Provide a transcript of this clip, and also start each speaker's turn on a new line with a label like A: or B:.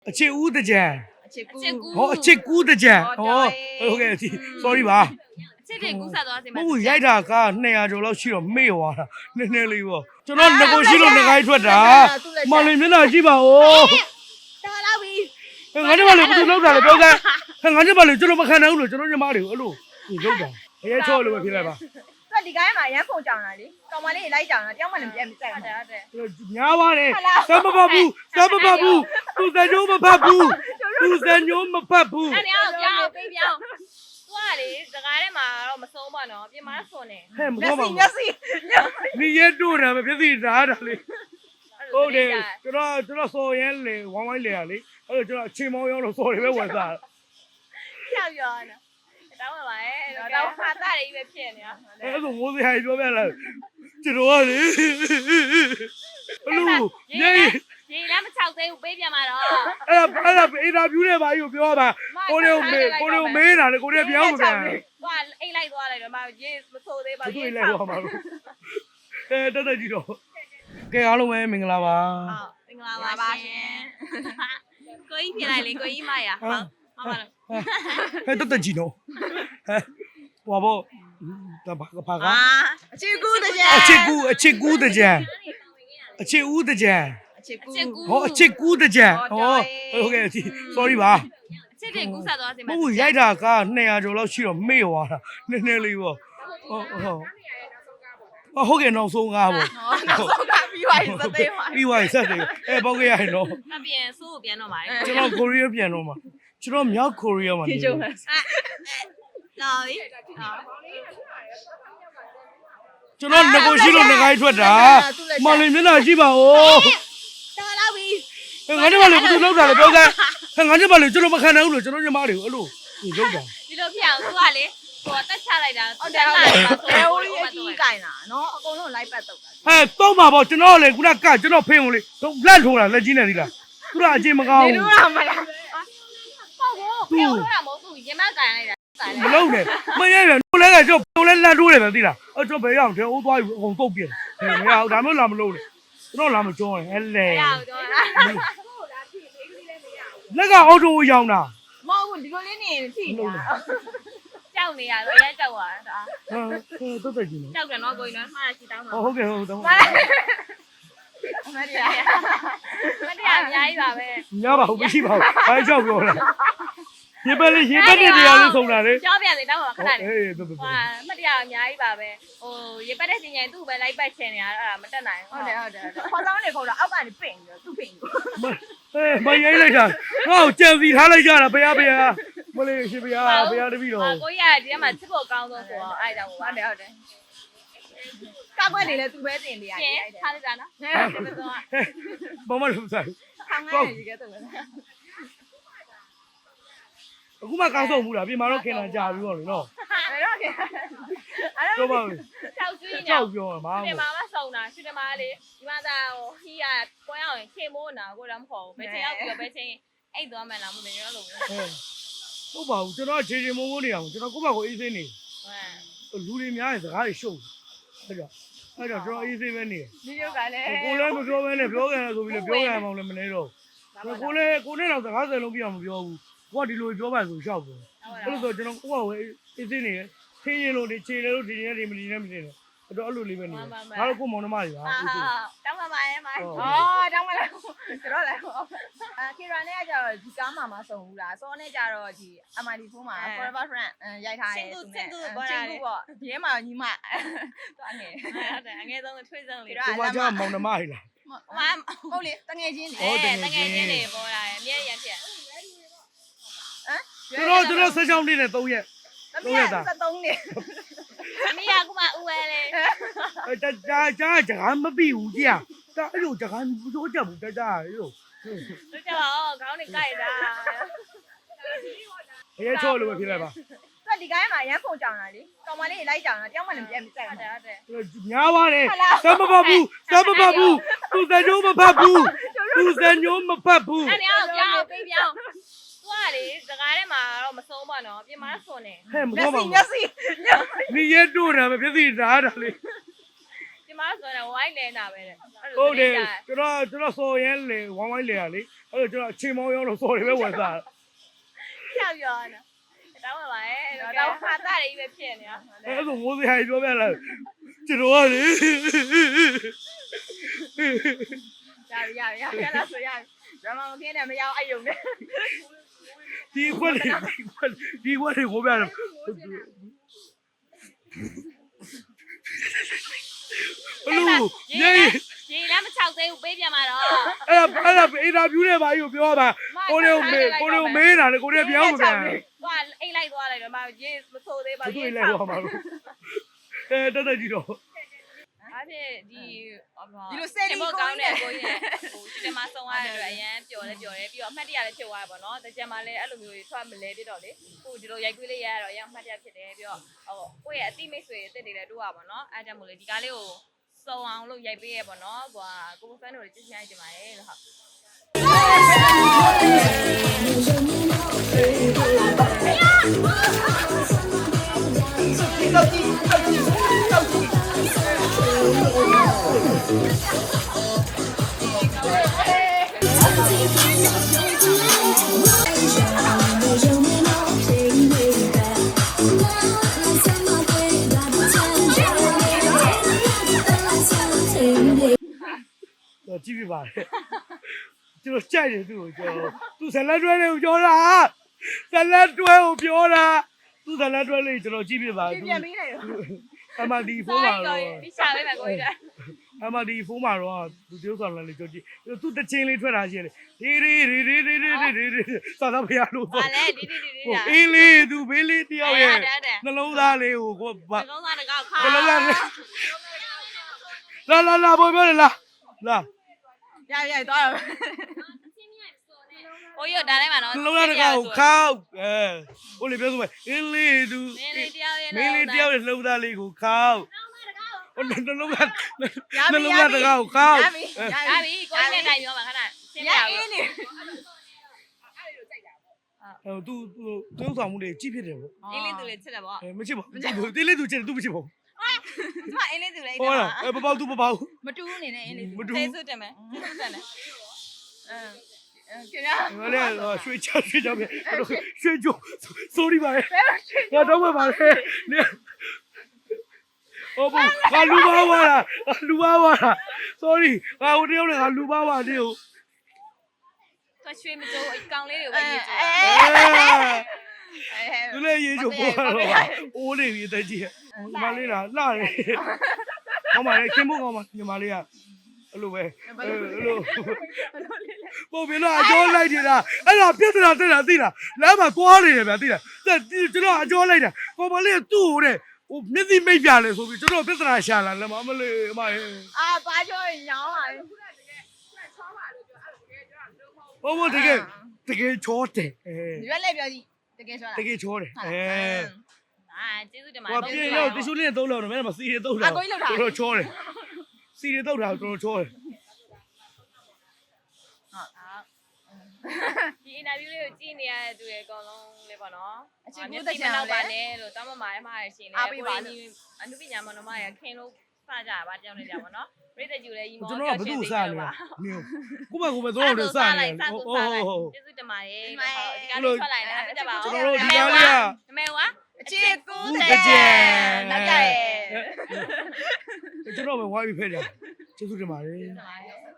A: အချစ်ဦးတကြံ
B: အချစ်ကူ
A: ဟောအချစ်ကူးတကြံဟောဟုတ်ကဲ့ sorry ပါ
C: အချစ်တွေကူးဆက်သွားစေမှာ
A: မဟုတ်ရိုက်တာက200ကျော်လောက်ရှိတော့မေ့သွားတာနည်းနည်းလေးပေါ့ကျွန်တော်ငကိုရှိလို့ငကိုင်းထွက်တာမလေးမျက်နှာကြည့်ပါဦး
B: တော်လာပြီ
A: ငါတို့ကလေဘယ်သူလောက်တာလဲပြောစမ်းငါတို့ကလေကျွန်တော်မခံနိုင်ဘူးလို့ကျွန်တော်ညီမတွေကိုအဲ့လိုလောက်တာအရေးချောလို့ပဲဖြစ်လိုက်ပါ
B: သူကဒီကိုင်းမှာရမ်းဖုန်ကြောင်တာလေကောင်မလေးလိုက်ကြောင်တာတယောက်မှလည်းပြန်မဆိုင်ဘူးဟုတ်တယ်
A: ညားပါတယ်စမ်းမဖတ်ဘူးစမ်းမဖတ်ဘူးသူစံညိုးမဖတ်ဘူးသူစံညိုးမဖတ်ဘူး
C: အဲ့ဒါကိုပြောင်းပေးပြောင်းသူကလေစကားထဲမှာတော့မဆုံးပါနော်ပြင်မာဆွန်နေ
A: ဟဲ့မ
B: မျက်
A: တော့ပါ
B: စိ
A: ဘူး
B: မျက်စိ
A: 你也多了嘛，别自己拿着嘞。ဟုတ်တယ်ကျွန်တော်စော်ရဲလေဝမ်းဝိုင်းလေရလေအဲ့တော့ကျွန်တော်ချိန်မောင်းရောက်တော့စော်တွေပဲဝင်စား
C: ပြောက်ပြောနော်တောင်းပါပါရဲ့တော့ခါသားတွေပဲဖြစ်နေတာ
A: အဲ့ဒါမိုးစရာကြီးပြောပြလာကျွန်တော်ကလေအလူညေး
C: ရေလည်းမချောက်သေးဘူးပေးပြန်มาတော့
A: အဲ့ဒါအင်တာဗျူးနဲ့ပါကြီးကိုပြောပါကိုလေးကိုမေးတာလေကိုလေးပြောင်းမပြန်
C: သွားအိတ်လိုက်သွားလိုက်တော့မရေမဆိုးသေးပါ
A: ဘူးသူ့လိုက်တော့မှာလို့တက်ကြည့်တော့ကဲအားလုံးပဲမင်္ဂလာပါ
C: ဟုတ်မင်္ဂလာပါရှင်ကိုကြီးဖြစ်လိုက်လေကိုကြီးမရဟုတ်မမလို့
A: ဟဲ့တက်ကြည့်တော့ဟဲ့ဟိုဘောဘာကအ
B: ချစ်ကူတကြံ
A: အချစ်ကူးတကြံအချစ်ဦးတကြံ
B: အချစ်ကူ
A: ဟောအချစ်ကူးတကြံဟောဟုတ်ကဲ့ sorry ပါ
C: အချစ်တွေကူးဆက်သွားစေမှာ
A: မဟုတ်ရိုက်တာက200ကျော်လောက်ရှိတော့မေ့သွားတာနည်းနည်းလေးပေါ့ဟုတ်ကဲ့နောက်ဆုံးကားပေါ့
B: နောက်ဆုံးကပြီးသွားပြီစသေးပါ
A: ပြီးသွားပြီဆက်တယ်ပေါက်ခဲ့ရရင်တော့
C: အပြင်ဆိုးကိုပြန်တော့ပါတယ်
A: ကျွန်တော်ကိုရီးယားပြန်တော့မှာကျွန်တော်မြောက်ကိုရီးယားမှာနေတယ်
C: လာပြီ
A: ကျွန်တော်ငကိုရှိလို့ငကိုင်းထွက်တာမလေးမျက်နှာကြည့်ပါဦး
B: တော်လာပြီ
A: ငါတို့ကလေဘယ်သူလောက်တာလဲပြောစမ်းငါတို့ကလေကျွန်တော်မခံနိုင်ဘူးလို့ကျွန်တော်ညီမတွေကိုအဲ့လိုလောက်တာ
C: ဒီလိုဖြစ်အောင်သူကလေဟိုတက်ချလိုက်တာ
B: ဟုတ်တယ်ဟုတ်တယ်ဘယ်လိုအကြီးကင်တာနော်အကုန်လုံးလိုက်ပတ်တော့တာ
A: ဟဲ့တော့ပါပေါ့ကျွန်တော်လေခုနကကျွန်တော်ဖင်းကိုလေလက်ထိုးတာလက်ကြီးနေသီးလားသူကအချင်းမကောင်း
B: နေ
A: ဘူး
B: လို့ရမလား
C: ဟုတ်ကိုပြောလို့တာမဟုတ်ဘူးရင်မကန်လိုက်တာ
A: မလုံးနဲ့မရရဘူးလဲကကျွန်တော်လဲလက်ထိုးတယ်ပဲသီးလားအဲ့ကျွန်တော်ဘယ်ရောက်တယ်အိုးသွားပြီအကုန်တုတ်ပြတယ်မရဘူးဒါမျိုးလာမလို့လေကျွန်တော်လာမကြောရင်ဟဲ့လေ
C: ရအောင်တော့
A: လက်ကအော်တိုကိုရောင်းတာ
B: မဟုတ်ဘူးဒီလိုလေးနေထိနေတာ
C: ကြောက်နေရတော့ရဲကြောက်သွားတာ
A: ဟုတ်တယ်ကြီးနော်
C: ကြောက်တယ်နော်ကိုကြီးနော်မှားရှိတောင်းတော့
A: ဟုတ်ကဲ့ဟုတ်တော့
B: အမတရား
C: မတရားအများကြီးပါပဲ
A: ညပါဘူးမရှိပါဘူးဘာကြောက်ပြောလဲရေပက်လေးတဲ့တရားလေးဆုံးတာလေ
C: ကြောက်ပြန်လေတောင်းတော့ခဏလေး
A: အေးတော်တော်
C: ဟာမတရားအများကြီးပါပဲဟိုရေပတ်တဲ့စင်ရင်သူ့ပဲလိုက်ပတ်ချင်နေတာအဲ့ဒါမတက်နိုင်
B: ဟုတ်တယ်ခေါ်ဆောင်နေခေါ်တော့အောက်ကနေပင့်ပြီးသူ့ပင့်ပြီး
A: မရိုင်းလိုက်တာငါ့ကိုကြံစီထားလိုက်ကြတာဘုရားမလေးရှင်ဘုရားတပည့်တော်
C: ကိုကြီးကဒီထဲမှာချစ်ဖို့ကောင်းဆုံးဆိုတော့အဲ့ဒါကို
B: ဟုတ်တယ်ကောက်ွက်နေလဲသူပဲတင်နေရ
C: ရှင်
B: တယ်
C: ထားလိုက်တာနော်ဒီမစုံက
A: ဘာမှလုပ်စား
B: ခေါင်းငယ်ကြီးကတော့
A: အခုမှကောင်းဆုံးဘူးလားပြင်မာတော့ခင်လာကြာပြီးတော့လေနော်
B: အဲ့တော့အဲ့
A: ပြောပါဦး
C: ကြောက်ကျွေးနေ
A: ကြောက်ပြောမှာ
C: ဒီမှာမစုံတာရှင်ဒီမှာလေဒီမှာသာဟိုဟီးကကွမ်းအောင်ခေမိုးနာကိုတော့မဟုတ်ဘူးဘယ်ချိန်ရောက်ပြီးတော့ဘယ်ချိန်အိတ်သွားမှန်းလားမသိဘူးလို့
A: ဟုတ်ပါဘူးကျွန်တော်ခြေမိုးနေအောင်ကျွန်တော်ကိုယ့်ဘာကိုအေးစိနေလူတွေများရင်စကားတွေရှုပ်အဲ့တော့ကျွန်တော်အေးစိပဲနေ
B: ဒီရုပ်ကလည်း
A: ကိုလည်းမပြောဘဲနဲ့ပြောကြတယ်ဆိုပြီးလည်းပြောကြမှလည်းမနေတော့ကိုလည်းကိုနဲ့တော့စကားစလုံးပြအောင်မပြောဘူးကိုကဒီလိုပြောပါဆိုရှောက်ဘူးအဲ့လိုဆိုကျွန်တော်ကိုယ့်ဘာကိုအေးစိနေထင်းရင်လို့ဒီခြေတယ်လို့ဒီနေ့ဒီမလီနဲ့မနေတော့အဲ့တော့အဲ့လိုလေးပဲနေငါတို့ကိုမောင်နှမတွေပါအေးစိ
C: တောင်းပါပါရဲ့မိုင်း
B: အော်တောင်းမလားကျွန်တော်လည်းခေရာနဲ့ကကြတော့ဒီကားမှာမဆုံးဘူးလားစောနဲ့ကြတော့ဒီ MID4 မှာ Forever Friend ရိုက်ထားတယ်သူနဲ့ချင်းကူပေါ့ဒီထဲမှာညီမသွားနေ
C: ဟုတ်တယ်အငယ်ဆုံးထွေးဆုံးလေး
A: ကိုကကြောင်မောင်နှမတွေလား
B: ဟုတ်လေတငယ်ချင်းလေ
C: တကယ်ချင်းနေပေါ်လာတယ်အမြဲရဖြစ်
A: ကျွန်တော်ဆက်ချောင်းနေတဲ့3ရက်
B: သမီးက73နေ
C: အမေကခုမှဥဝဲလေ
A: ကြာမပြီးဘူးကြာဒါအဲ့လိုကြာမပြောကြဘူးကြာအဲ့လို
C: သူကြောက်ခေါင်းနေကြိုက်တာ
A: အရေးချောလို့ပဲဖြစ်လိုက်ပါ
B: သူကဒီကိုင်းမှာရမ်းဖုန်ကြောင်တာလေကောင်မလေးလိုက်ကြောင်တာတယောက်မှလည်းပြန်မဆိုင်
C: ဟုတ်တယ်ဟုတ်တယ်
A: ညားပါတယ်စမ်းမဖတ်ဘူးသူစံညိုးမဖတ်ဘူးသူစံညိုးမဖတ်ဘူး
C: အဲ့ဒါကိုပြောင်းပေးပြောင်းသူကလေစကားထဲမှာတော့မဆုံးပါတော့ပြင်မာဆွန်နေ
A: ဟဲ့မ
B: မျက်
A: တော့ပါ
B: စိ
A: ဘူး
B: မျက်စိ
A: 你也多了，别自己拿着嘞。
C: ပြင်မဆိုတော့ဝိုင်းနေတာပဲတဲ့
A: ဟုတ်တယ်ကျွန်တော်စော်ရဲလေဝိုင်းဝိုင်းလေရလေအဲ့တော့ကျွန်တော်အချိန်မောင်းရောက်တော့စော်တွေပဲဝင်စား
C: ဖြောက်ပြောနော်တောင်းပါပါရဲ့တော့ခါတာတွေပဲဖြစ်နေတာ
A: အဲ့ဒါမိုးစရာပြောပြလာကျွန်တော်ကလေ
B: ရလားဆိုရဇမမခင်းနဲ့မရောက်အဲ့ယုံနဲ့
A: ဒီခွက်တွေကိုပြတယ်
C: ရေလည်းမချောက်သေးဘူးပေးပြန်มาတော့
A: အဲ့ဒါအင်တာဗျူးနဲ့ဘာကြီးကိုပြောပါကိုတွေကိုမေးတာလေကိုတွေပြောင်းမပြန်
C: သွားအိတ်လိုက်သွားလိုက်တော့မရေမဆိုးသေးပါ
A: ဘူးသူလည်းတော့မှာလို့တက်ကြည့်တော့
C: အဲ့ဖြစ်ဒီ
B: ဒီလိုစဲလီ
C: ဘော
B: ကို
C: ကောင်း
B: နဲ့
C: တဲ့ကိုကြီးဟိုဒီမှာဆုံးသွားတဲ့အတွက်အရန်ပျော်ပြီးတော့အမှတ်တရလည်းဖြစ်သွားပါတော့တကြံမှာလည်းအဲ့လိုမျိုးထွက်မလဲပြတော့လေဟိုဒီလိုရိုက်ကွေးလေးရရတော့အရန်အမှတ်တရဖြစ်တယ်ပြီးတော့ဟိုကိုယ့်ရဲ့အတိမိတ်ဆွေအစ်တွေလည်းတို့ရပါတော့အဲ့ကြောင့်မို့လေဒီကားလေးကိုစုံအောင်လို့ရိုက်ပေးရပါတော့ဟိုကိုဖန်တို့ကြီးချင်းရိုက်တင်ပါတယ်လို့ဟုတ်
A: ကြည့်ပြပါလေကျွန်တော်ကြိုက်တယ်သူ့ကိုကျွန်တော်သူဇလက်တွဲလေးကိုပြောတာဇလက်တွဲကိုပြောတာသူဇလက်တွဲလေးကျွန်တော်ကြည့်ပြပါသူ
B: ပြန်ပေးလိုက်တော့
A: အမဒီဖုန်းမှာတော့
C: ဒီရှာပေးမယ်ကိုကြီး
A: အမဒီဖုန်းမှာတော့သူတယောက်ဆောင်လည်းကြည့်ကြည့်သူတချင်းလေးထွက်တာရှိတယ်ဒီသာသာဖရလို့
C: ဟာလေဒီ
A: အေးလေးသူဘေးလေးတယောက်ရဲ့နှလုံးသားလေးကိုကို
C: ဘာကောင်းစားတကောက်ခါ
A: နှလုံးသားလာဘောပြောလာ
B: ရသွားတော့
C: ကိုကြီးဒါလည်းမနော်
A: နှလုံးသားတကောက်ခောက်ဟိုလေပြောဆိုမယ်အေးလေးသူ
C: မင်းလေးတယောက်ရဲ့
A: မင်းလေးတယောက်ရဲ့နှလုံးသားလေးကိုခောက်ဟိုနှလုံးသားတကောက်ခောက်
C: ရပြီကိုကြီးနဲ့တိုင်ပြောပါခဏရှင်းပြအောင်
B: အေးနေ
A: သူတယောက်ဆောင်မှုတွေကြည့်ဖြစ်တယ်ပေါ့
C: အင်းလေးသူလေးချစ်တယ်ပေါ့
A: မချစ်ပါဘူးတင်းလေးသူချစ်တယ်သူမချစ်ပါဘူး
C: ဒီမှာအင်းလေးသူလေး
A: ဟုတ်လားဘပေါသူမပေါဘူး
B: မတူးနေနဲ့အင်းလေး
A: မတူ
C: သေးစွတ်တယ်မယ်တက်တယ်
B: ခင်ဗျာ
A: ဟိုလေရွှေချပဲရွှေကြို sorry ပါလေငါတော့ပါလေ哦不，我撸包我了，撸包我了，sorry，我这样的，撸包我的哦。
C: သူရွှေမကြိုးအကောင်လေးတွေပဲညစ်ကြိုး
A: သူလည်းရေးချိုးပေါ်တော့အိုးနေပြီတက်ကြီးညီမလေးလားလှတယ်ဟောမလေးခင်ဖို့ကောင်းပါညီမလေးကအဲ့လိုပဲအဲ့လိုပုံပြတော့အကျော်လိုက်နေတာအဲ့ဒါပြဿနာတက်တာသိလားလမ်းမှာသွားနေတယ်ဗျာသိလားကျွန်တော်အကျော်လိုက်တာပုံမလေးကသူ့ဟိုတဲ့ဟိုမျက်စိမိတ်ပြလဲဆိုပြီးကျွန်တော်ပြဿနာရှာလာလည်းမလေးအမရဲ့
B: ဘာပြောရင်ညောင်းလာတယ်
A: ဘတကယ်ချောတယ်
B: ရွက်လက်ပြောကြည့်တကယ်ဆိုလား
A: တကယ်ချောတယ်
C: ကျေးဇူးတင်ပါ
A: ဟိုပြေတော့တ िश ူးလေးနဲ့သုံးလောက်တော့မင်းကစီတွေသုံးတာတော်ချောတယ်စီတွေသုံးတာတော်ချောတယ်
C: ဒီအင်တာဗျူးလေးကိုကြည့်နေရတဲ့သူတွေအကုန်လုံးလေးပေါ့နော်နောက်ပါနဲ့လို့တောင်းပမာရဲ့မှားရရှင်လေကိုကြီးအနုပညာမနမရခင်လို့စကြပါတယောက်နေကြပါနော်ပြည့်တဲ့ကျူလေးရီမော
A: ကျွန်တော်ကဘသူ့စားလဲမျိုးကိုမကိုပဲသုံးလို့စားနေဟုတ်
C: ကျေးဇူးတင်ပါတယ်ဒီကနေ့ထွက်လိုက်တယ်ပြတ်ပါဦး
A: ကျွန်တော်တို့ဒီကားလေးက
C: မေဝါ
B: အချစ်ကူးတဲ့နောက်ကြရဲ့
A: ကျွန်တော်ပဲဝိုင်းပြီးဖက်တယ်ကျေးဇူးတင်ပါတယ်
C: ဟုတ်